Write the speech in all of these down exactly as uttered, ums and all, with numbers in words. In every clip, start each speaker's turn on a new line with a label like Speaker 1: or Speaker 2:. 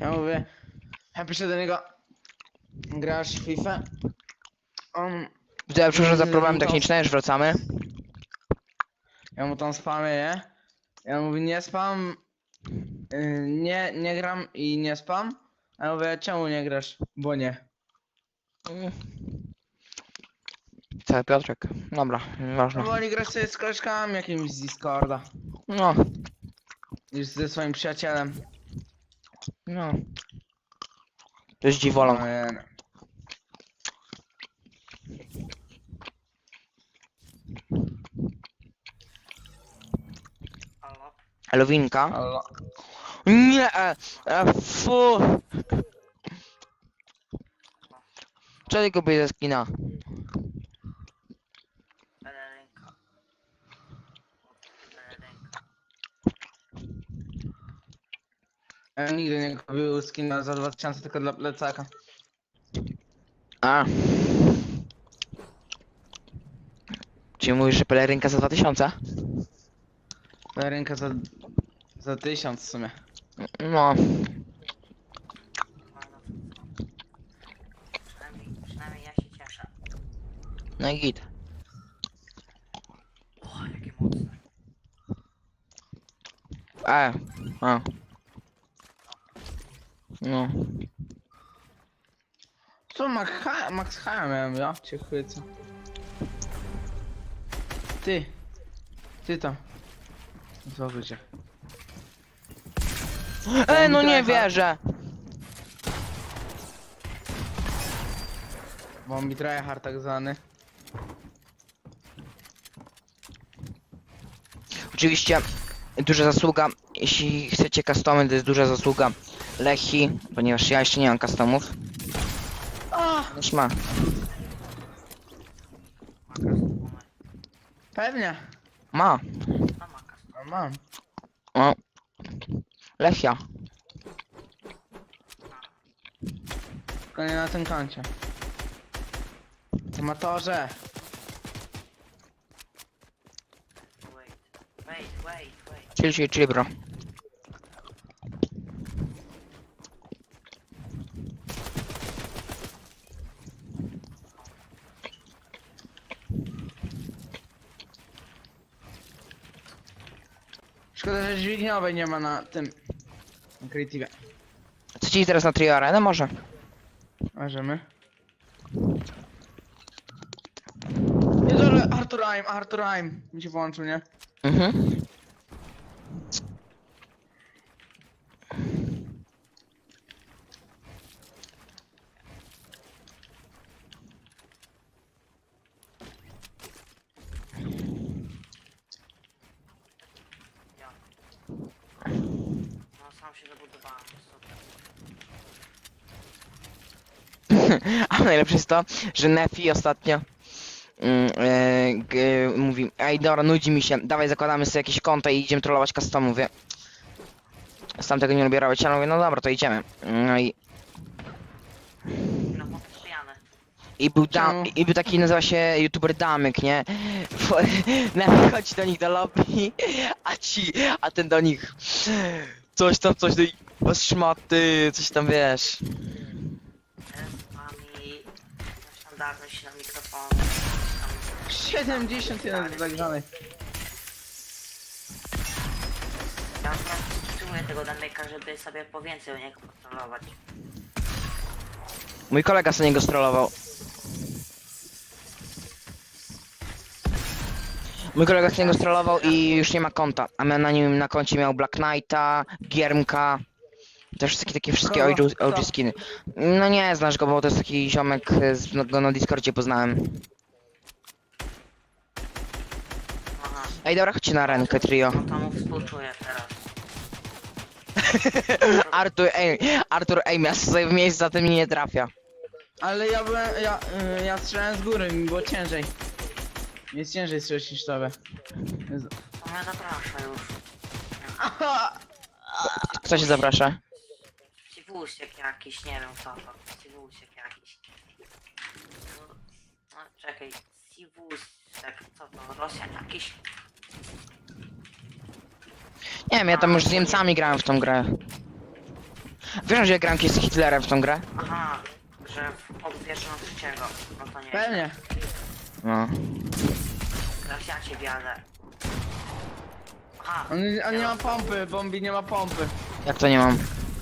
Speaker 1: Ja mówię, ja piszę do niego, grasz w FIFA? On...
Speaker 2: Widzę, przepraszam za problemy
Speaker 1: to-
Speaker 2: techniczne, już wracamy.
Speaker 1: Ja mu tam spamię, nie? Ja mówię, nie spam, yy, nie, nie gram i nie spam. A ja mówię, czemu nie grasz? Bo nie.
Speaker 2: Cały Piotrek. Dobra,
Speaker 1: No
Speaker 2: nieważne.
Speaker 1: woli grać sobie z koleżkami jakimś z Discorda.
Speaker 2: No,
Speaker 1: Niż ze swoim przyjacielem.
Speaker 2: no. To jest dziwoląg.
Speaker 1: No, nie,
Speaker 3: Halo?
Speaker 2: Elowinka.
Speaker 1: no.
Speaker 2: Nie, e, e, fu. Co ty kupisz ze skina?
Speaker 3: Pelerynka. Pelerynka.
Speaker 1: Ja nigdy nie kupił skina za dwa tysiące tylko dla plecaka.
Speaker 2: A. Czy mówisz, że pelerynka za dwa tysiące?
Speaker 1: Ręka za... za tysiąc w sumie.
Speaker 2: No.
Speaker 3: No, no, przynajmniej, przynajmniej ja się cieszę.
Speaker 2: No i git.
Speaker 3: O, jakie mocne.
Speaker 2: E. A. No.
Speaker 1: Co, Max H, Max H miałem, ja cię chwycę. Ty. Ty to. Złożę cię.
Speaker 2: E, no nie wierzę.
Speaker 1: Bombi tryhard tak zwany.
Speaker 2: Oczywiście duża zasługa, jeśli chcecie customy, to jest duża zasługa Lechi, ponieważ ja jeszcze nie mam customów. Już ma.
Speaker 1: Pewnie.
Speaker 2: Ma.
Speaker 3: No makas.
Speaker 1: No, mam.
Speaker 2: O. Lechia.
Speaker 1: Tylko nie na tym koncie. Amatorze.
Speaker 3: Wait, wait, wait, wait.
Speaker 2: Chill, chill, chill, bro.
Speaker 1: Szkoda, że dźwigniowej nie ma na tym. Na Creative.
Speaker 2: Co ci teraz na trio arenę może?
Speaker 1: Możemy. Nie dole, Arthur Aim, Arthur Aim. Mi się włączył, nie?
Speaker 2: Mhm.
Speaker 3: Ja. No sam się zabudowałem, super.
Speaker 2: A najlepsze jest to, że Nefi ostatnio mm, e, g, mówi, ej dobra, nudzi mi się, dawaj zakładamy sobie jakieś konta i idziemy trollować customu, mówię. Sam tego nie lubię robić, ale mówię, no dobra, to idziemy. No i,
Speaker 3: No chłopie pijany.
Speaker 2: i był dam,
Speaker 1: Czemu?
Speaker 2: i był taki, nazywa się youtuber Damyk, nie? Nefi chodzi do nich do lobby, a ci, a ten do nich, coś tam, coś do nich, was szmaty, coś tam, wiesz.
Speaker 3: Z wami standardność na mikrofon.
Speaker 1: siedemdziesiąt jeden tak dalej.
Speaker 3: Ja po prostu czuję tego Damyka, żeby sobie po więcej o niego kontrolować.
Speaker 2: Mój kolega sobie niego strollował. Mój kolega z niego strollował i już nie ma konta. A miał na nim na koncie miał Black Knighta, Giermka. Też takie, takie wszystkie
Speaker 1: Kogo?
Speaker 2: O G, O G skiny. No nie znasz go, bo to jest taki ziomek, z, no, go na Discordzie poznałem.
Speaker 3: Aha,
Speaker 2: Ej dobra, chodźcie na rękę trio.
Speaker 3: no to mu współczuję teraz.
Speaker 2: Artur, ej, Artur, ej, ja sobie w miejscu za tym nie trafia.
Speaker 1: Ale ja byłem, ja, y, ja strzelałem z góry, mi było ciężej. Jest ciężej strzelić niż tobie. Jezu.
Speaker 3: To mnie zaprasza już.
Speaker 1: Aha!
Speaker 2: Kto się zaprasza?
Speaker 3: Ciwusiek jakiś, nie wiem co to. Ciwusiek jakiś. No, no czekaj, Ciwusiek, co to? Rosjan jakiś?
Speaker 2: Nie wiem, ja tam już z Niemcami grałem w tą grę. Wiesz, że ja gram kiedyś z Hitlerem w tą grę?
Speaker 3: Aha, że w- od pierwszego na trzeciego. No to nie.
Speaker 1: Pewnie.
Speaker 2: No.
Speaker 3: Teraz ja cię wiadę. Aha.
Speaker 1: On, on nie ma pompy, Bombi nie ma pompy.
Speaker 2: Jak to nie mam?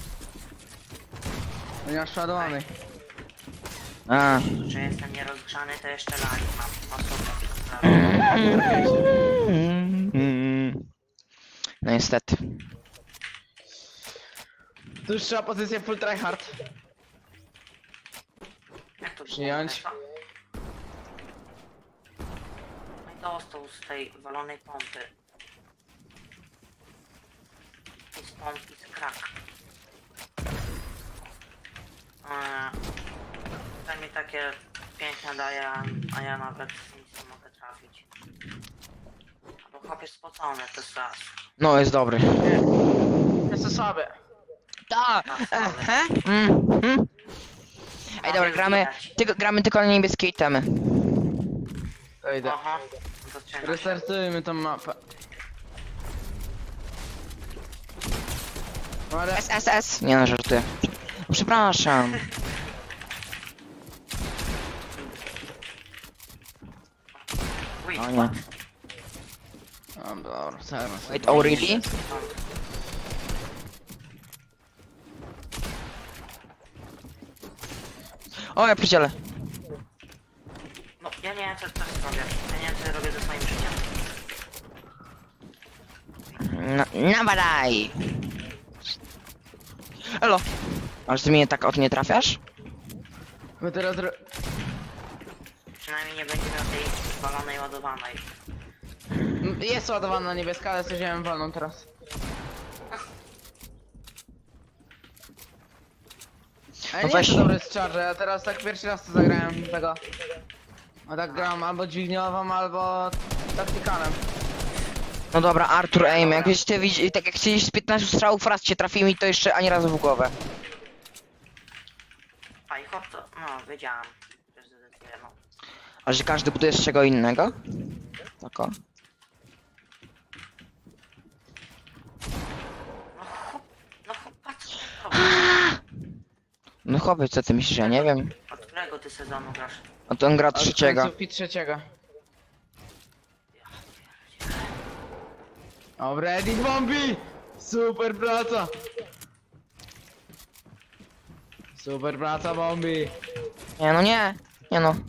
Speaker 1: On nie ma przeładowanej.
Speaker 2: A.
Speaker 3: Że jestem nierozgrzany, to jeszcze lagi mam. O super, naprawdę.
Speaker 2: No niestety.
Speaker 1: Tu już trzeba pozycję full tryhard.
Speaker 3: Jak to
Speaker 1: Przyjąć.
Speaker 3: było? No i dostał z tej walonej pompy. I z pompki z krak. Eee, To mi takie piękne daje, a ja nawet nic nie mogę trafić. Bo chłop jest spocony, to jest raz.
Speaker 2: No jest dobry.
Speaker 1: Jest to słabe.
Speaker 2: Da! Ehe. Mm, mm. Ej dobra,
Speaker 3: Ale
Speaker 2: gramy,
Speaker 3: widać.
Speaker 2: tylko, gramy tylko na niebieskie itemy.
Speaker 1: To idę.
Speaker 3: Aha, zaczyna się.
Speaker 1: Restartujmy tą mapę. No ale
Speaker 2: S S S. Nie no, żartuję. Przepraszam.
Speaker 3: Wait,
Speaker 2: O nie.
Speaker 1: no dobra, zaraz.
Speaker 2: Wait, oh really? O, ja pierdzielę.
Speaker 3: No, ja nie wiem co co zrobię. Ja nie wiem co robię ze swoim życiem.
Speaker 2: No, nawadaj! Elo! Aż ty mnie tak od nie trafiasz?
Speaker 1: My teraz ro...
Speaker 3: Przynajmniej nie będzie miał tej balonej ładowanej.
Speaker 1: M, Jest ładowana niebieska, ale sobie wziąłem wolną teraz. Ale
Speaker 2: No
Speaker 1: nie
Speaker 2: weź.
Speaker 1: jest to dobry strzelże, ja teraz tak pierwszy raz to zagrałem tego. A tak gram albo dźwigniową, albo taktykalem.
Speaker 2: No dobra, Artur aim, jakbyś ty widzi, tak jak chcieliś z piętnastu strzałów raz cię trafił mi to jeszcze ani razu w głowę.
Speaker 3: A i chłop to... No, wiedziałam. Że zdecyduje, no.
Speaker 2: A że każdy buduje z czego innego? Tak o.
Speaker 3: No chłop... No chłop, patrz co to
Speaker 2: No chłopie, co ty myślisz, ja nie wiem.
Speaker 3: Od którego ty sezonu grasz?
Speaker 2: No to on gra
Speaker 1: Od
Speaker 2: trzeciego.
Speaker 1: końcówki trzeciego. Dobra, Edit Bombi! Super praca! Super praca Bombi!
Speaker 2: Nie no nie, nie no.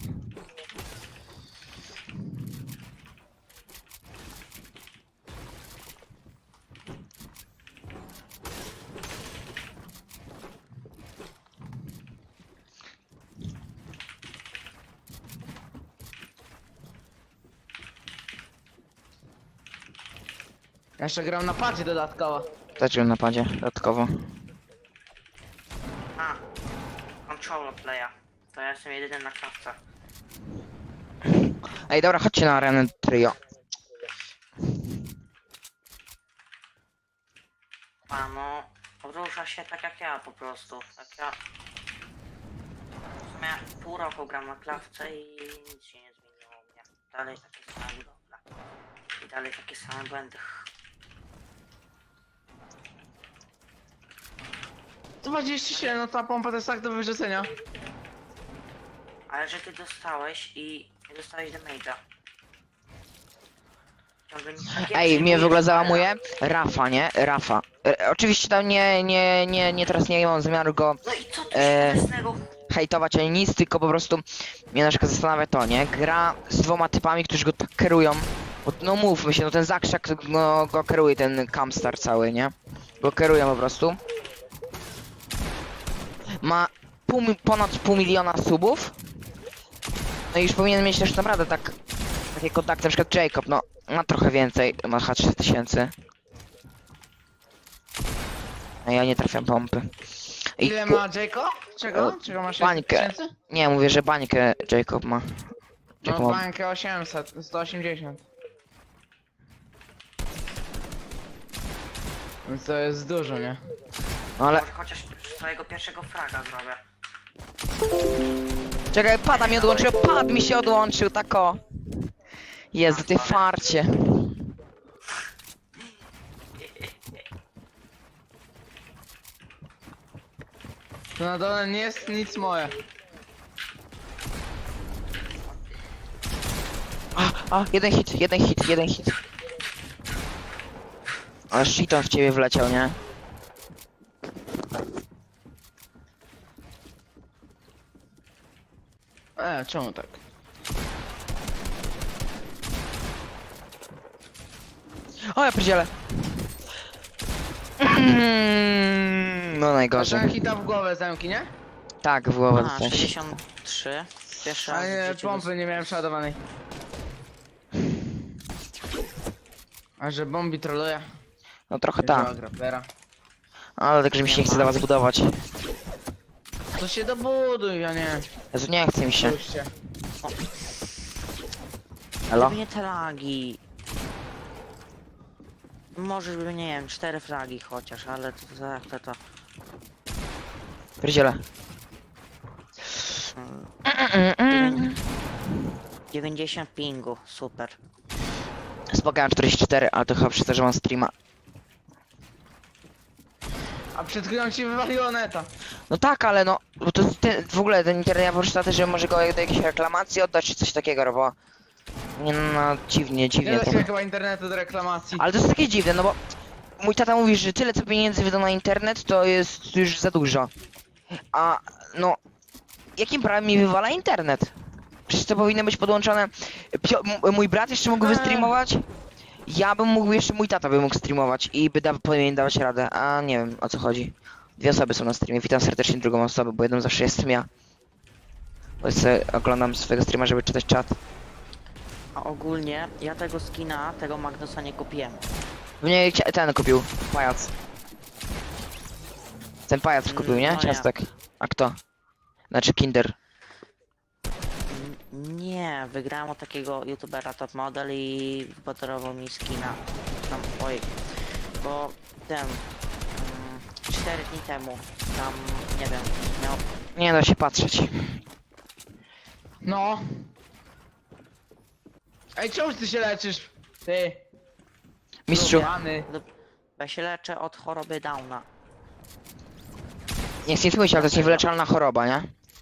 Speaker 1: Ja jeszcze gram na padzie dodatkowo.
Speaker 2: Też gram na padzie, dodatkowo.
Speaker 3: A. Controller playa. To ja jestem jedyny na klatce.
Speaker 2: Ej dobra, chodźcie na arenę trio.
Speaker 3: A no... Rusza się tak jak ja po prostu. Tak ja... W sumie pół roku gram na klatce i nic się nie zmieniło u mnie. Dalej takie same budowle. I dalej takie same błędy.
Speaker 1: dwadzieścia siedem, no ta pompa to jest tak do wyrzucenia.
Speaker 3: Ale że ty dostałeś i nie dostałeś damage'a. Ciągle nie- nie
Speaker 2: Ej, mnie w ogóle
Speaker 3: przyjmujesz
Speaker 2: załamuje Rafa, nie? Rafa. E, oczywiście tam nie, nie, nie, nie, teraz nie mam zamiaru go
Speaker 3: No i co tu
Speaker 2: E,
Speaker 3: śmiesznego?
Speaker 2: hejtować ani nic, tylko po prostu mnie na przykład zastanawia to, nie? Gra z dwoma typami, którzy go tak kierują. Bo, no mówmy się, no ten Zakrzak no, go kieruje, ten Camstar cały, nie? Go kierują po prostu. Ma pół, mi- ponad pół miliona subów. No i już powinien mieć też naprawdę tak takie kontakty, na przykład Jacob, no ma trochę więcej, ma chyba trzy tysiące. A ja nie trafiam pompy. I
Speaker 1: Ile
Speaker 2: ku-
Speaker 1: ma Jacob? Czego?
Speaker 2: O,
Speaker 1: Czego masz?
Speaker 2: bańkę. Nie, mówię, że bańkę Jacob ma. Jacob
Speaker 1: No
Speaker 2: ma...
Speaker 1: bańkę osiemset, sto osiemdziesiąt. Więc to jest dużo, nie?
Speaker 2: No ale...
Speaker 3: Może chociaż swojego pierwszego fraga zrobię.
Speaker 2: Czekaj, pada mi odłączył, pad mi się odłączył, tak o. Jezu, ty farcie.
Speaker 1: Tu na dole nie jest nic moje.
Speaker 2: A, a, jeden hit, jeden hit, jeden hit. Ale shiton w ciebie wleciał, nie?
Speaker 1: E, czemu tak?
Speaker 2: O, ja pierdzielę. Mm, No najgorzej.
Speaker 1: Zacząłem hita w głowę zamki, nie?
Speaker 2: Tak, w głowę
Speaker 3: A,
Speaker 2: dostałeś.
Speaker 3: sześćdziesiąt trzy. Pierwszy raz
Speaker 1: A
Speaker 3: w
Speaker 1: nie,
Speaker 3: życiu
Speaker 1: pompy nie miałem przeładowanej. A że bombi troluje?
Speaker 2: No trochę tak.
Speaker 1: Grapplera.
Speaker 2: Ale tak, że mi się nie chce do was budować.
Speaker 1: To się dobuduj, a nie.
Speaker 2: Jezu, nie chce mi się.
Speaker 1: Puśćcie.
Speaker 2: Elo?
Speaker 3: Gdyby nie te lagi. Może by, nie wiem, cztery flagi chociaż, ale to to jak to to.
Speaker 2: Pierdzielę.
Speaker 3: Mm, dziewięćdziesiąt pingu, super.
Speaker 2: Spokojam czterdzieści cztery, ale to chyba przez to, że mam streama.
Speaker 1: A przed chwilą ci wywaliło neta.
Speaker 2: No tak, ale no, bo to ten, w ogóle ten internet, ja poczytałem też, że może go do jakiejś reklamacji oddać, czy coś takiego, bo... Nie no, no dziwnie,
Speaker 1: Nie
Speaker 2: dziwnie
Speaker 1: da
Speaker 2: to.
Speaker 1: się chyba internetu do reklamacji.
Speaker 2: Ale to jest takie dziwne, no bo... Mój tata mówi, że tyle co pieniędzy wydał na internet, to jest już za dużo. A, no... Jakim prawem mi wywala internet? Przecież to powinno być podłączone... Pio m- mój brat jeszcze mógłby
Speaker 1: Eee.
Speaker 2: streamować? Ja bym mógł, jeszcze mój tata by mógł streamować i by da powinien dawać radę, a nie wiem o co chodzi. Dwie osoby są na streamie, witam serdecznie drugą osobę, bo jedną zawsze jestem ja. Bo sobie oglądam swojego streama, żeby czytać czat.
Speaker 3: A ogólnie ja tego skina, tego Magnusa nie kupiłem.
Speaker 2: Mnie chcia- ten kupił, pajac. Ten pajac kupił, nie?
Speaker 3: No nie.
Speaker 2: Ciastek. A kto? Znaczy Kinder.
Speaker 3: N- Nie, wygrałem od takiego youtubera top model i wypodarował mi skina. Tam, oj, bo ten, mm, cztery dni temu, tam, nie wiem, miał,
Speaker 2: Nie da się patrzeć.
Speaker 1: No. Ej, czemu ty się leczysz? Ty.
Speaker 2: Mistrzu,
Speaker 1: Rany.
Speaker 3: ja się leczę od choroby Downa.
Speaker 2: nie chcę nic mówić, ale to jest niewyleczalna choroba, nie?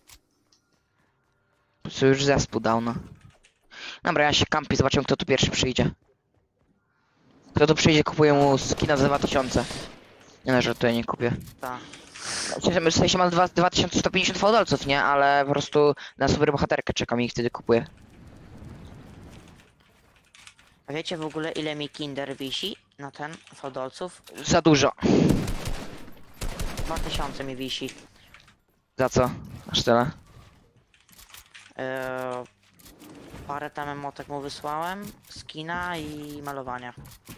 Speaker 2: Po prostu już zespół dawno. Dobra, ja się kampi, zobaczymy kto tu pierwszy przyjdzie. Kto tu przyjdzie, kupuje mu skina za dwa tysiące. Nie no, że to ja nie kupię.
Speaker 3: Tak.
Speaker 2: W sensie mam dwa- dwa tysiące sto pięćdziesiąt fałdolców, nie? Ale po prostu na super bohaterkę czekam i wtedy kupuję.
Speaker 3: A wiecie w ogóle ile mi Kinder wisi na ten fodolców?
Speaker 2: Za dużo.
Speaker 3: dwa tysiące mi wisi.
Speaker 2: Za co? Aż tyle.
Speaker 3: Eee, parę tam emotek mu wysłałem, skina i malowania.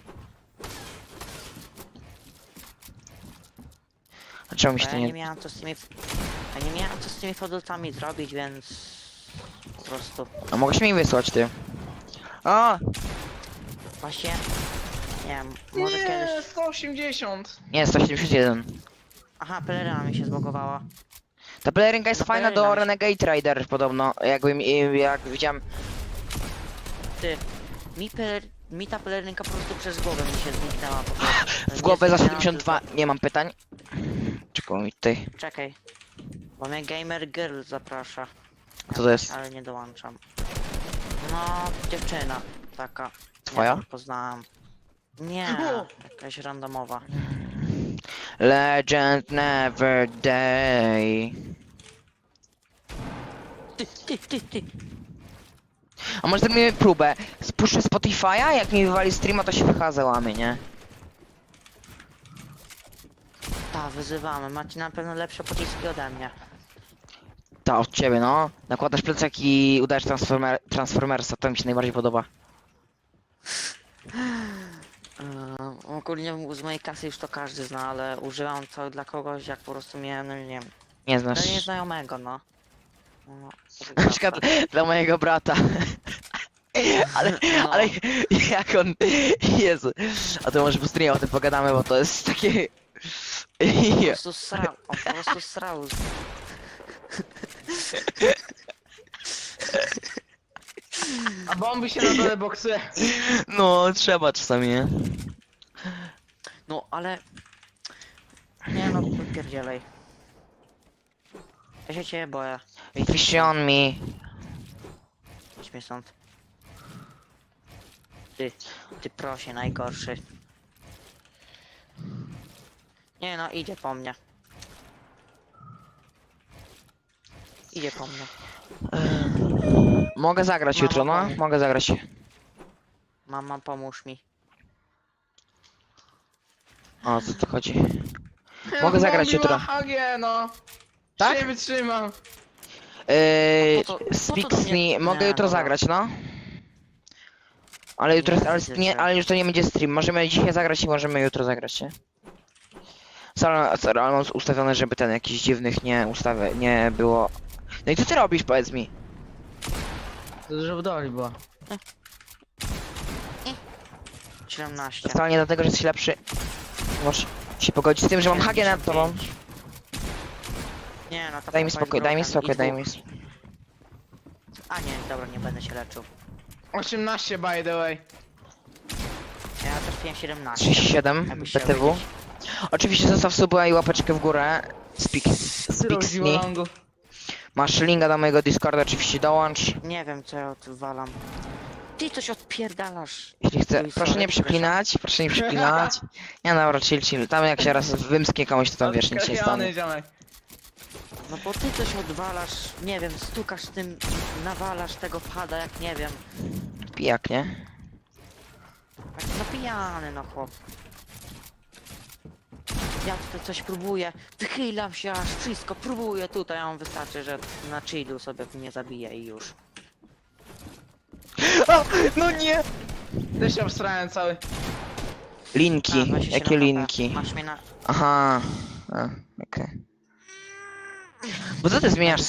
Speaker 2: A czemu mi
Speaker 3: Bo
Speaker 2: się
Speaker 3: ja
Speaker 2: to
Speaker 3: nie
Speaker 2: nie...
Speaker 3: miałem co z tymi... Ja nie miałem co z tymi fodolcami zrobić, więc... Po prostu...
Speaker 2: A mogłeś mi wysłać, ty. O!
Speaker 3: Właśnie... Nie wiem, może
Speaker 1: Nie,
Speaker 3: kiedyś...
Speaker 1: sto osiemdziesiąt.
Speaker 2: Nie, sto siedemdziesiąt jeden.
Speaker 3: Aha, peleryna mi się zbogowała.
Speaker 2: Ta pelerynka jest
Speaker 3: No,
Speaker 2: fajna do
Speaker 3: pelerynka.
Speaker 2: Renegade Rider podobno. Jakbym, jak widziałem...
Speaker 3: Ty, mi, peler... mi ta pelerynka po prostu przez głowę mi się zniknęła po prostu.
Speaker 2: W
Speaker 3: Nie
Speaker 2: głowę za
Speaker 3: zniknęła,
Speaker 2: siedemdziesiąt dwa
Speaker 3: tylko-
Speaker 2: nie mam pytań. Czekaj mi tutaj.
Speaker 3: Czekaj. Bo mnie Gamer Girl zaprasza.
Speaker 2: Co to jest?
Speaker 3: Ale nie dołączam. No, dziewczyna taka.
Speaker 2: Twoja?
Speaker 3: Nie wiem, poznałam. Nie, jakaś randomowa.
Speaker 2: Legend never die.
Speaker 3: Ty, ty, ty, ty.
Speaker 2: A może zrobimy próbę? Spuszczę Spotify'a, jak mi wywali streama, to się chyba załamie, nie?
Speaker 3: Ta, wyzywamy. Macie na pewno lepsze pociski ode mnie.
Speaker 2: Ta, od ciebie, no. Nakładasz plecak i udajesz transformer Transformersa, to mi się najbardziej podoba.
Speaker 3: Yy, ogólnie z mojej kasy już to każdy zna, ale używam to dla kogoś, jak po prostu miałem, no nie wiem,
Speaker 2: Nie
Speaker 3: dla
Speaker 2: znasz.
Speaker 3: nieznajomego, no. No,
Speaker 2: Na przykład dla mojego brata. Ale,
Speaker 3: No.
Speaker 2: ale jak on... Jezu. A to może po streamie o tym pogadamy, bo to jest takie...
Speaker 3: Po prostu srał, on po prostu srał.
Speaker 1: A bombi się na dole boksuje.
Speaker 2: No, trzeba czasami, nie?
Speaker 3: No, ale... Nie no, pierdzielej. Ja się ciebie boję.
Speaker 2: Fish on me.
Speaker 3: Idź mnie stąd. Ty, ty prosie, najgorszy. Nie no, idzie po mnie. Idzie po mnie.
Speaker 2: Mogę zagrać
Speaker 3: Mama,
Speaker 2: jutro, no?
Speaker 3: pomóż.
Speaker 2: Mogę zagrać.
Speaker 3: Mama, pomóż mi.
Speaker 2: O, co tu chodzi?
Speaker 1: Ja
Speaker 2: Mogę
Speaker 1: mam
Speaker 2: zagrać
Speaker 1: miła
Speaker 2: jutro.
Speaker 1: H G, no.
Speaker 2: Tak?
Speaker 1: Nie wytrzymam.
Speaker 2: Eee,
Speaker 3: po co- po co
Speaker 2: Speak
Speaker 3: do
Speaker 2: z
Speaker 3: mnie-
Speaker 2: me. Mogę
Speaker 3: Nie,
Speaker 2: jutro
Speaker 3: dobra.
Speaker 2: zagrać, no? Ale jutro,
Speaker 3: Nie,
Speaker 2: ale,
Speaker 3: widzę
Speaker 2: nie,
Speaker 3: cię.
Speaker 2: ale już to nie będzie stream. Możemy dzisiaj zagrać i możemy jutro zagrać, nie? Sorry, sorry, ale mam ustawione, żeby ten jakiś dziwnych nie ustawę, nie było. No i co ty robisz, powiedz mi?
Speaker 1: To dużo w doli było.
Speaker 3: siedemnaście.
Speaker 2: Wcale nie dlatego, że jesteś lepszy. Możesz się pogodzić z tym, że mam H G nad tobą.
Speaker 3: Nie no, to
Speaker 2: Daj mi
Speaker 3: pompa jest
Speaker 2: spokój, daj mi
Speaker 3: broken
Speaker 2: spokój,
Speaker 3: i
Speaker 2: daj
Speaker 3: dwóch.
Speaker 2: mi.
Speaker 3: A nie, dobra, nie będę się leczył.
Speaker 1: osiemnaście by the way.
Speaker 3: Ja trafiłem siedemnaście.
Speaker 2: trzydzieści siedem
Speaker 3: Jakbyś
Speaker 2: B
Speaker 3: chciał
Speaker 2: T W.
Speaker 3: wiedzieć.
Speaker 2: Oczywiście zostaw suba i łapeczkę w górę. Speak, speak z me.
Speaker 1: Longu.
Speaker 2: Masz linka do mojego Discorda, oczywiście dołącz.
Speaker 3: Nie wiem co ja odwalam. Ty coś odpierdalasz.
Speaker 2: Jeśli chce,
Speaker 3: Oj,
Speaker 2: proszę
Speaker 3: sorry,
Speaker 2: nie przeklinać, proszę nie przeklinać. Nie no, dobra, chill, chill. Tam jak się raz wymsknie komuś, to tam wiesz, nic się nie stanie.
Speaker 1: Odkrawiony ziomek.
Speaker 3: No bo ty coś odwalasz, nie wiem, stukasz tym, nawalasz tego pada jak nie wiem.
Speaker 2: Pijak, nie?
Speaker 3: Tak, no pijany no chłop. Ja tutaj coś próbuję, wychylam się aż wszystko, próbuję tutaj, a on wystarczy, że na chillu sobie mnie zabije i już.
Speaker 2: O, no nie!
Speaker 1: Też się obstrałem cały.
Speaker 3: A,
Speaker 2: Linki,
Speaker 3: dwadzieścia siedem
Speaker 2: jakie
Speaker 3: H P.
Speaker 2: linki?
Speaker 3: Masz mnie na...
Speaker 2: Aha, a, okej. Bo co ty zmieniasz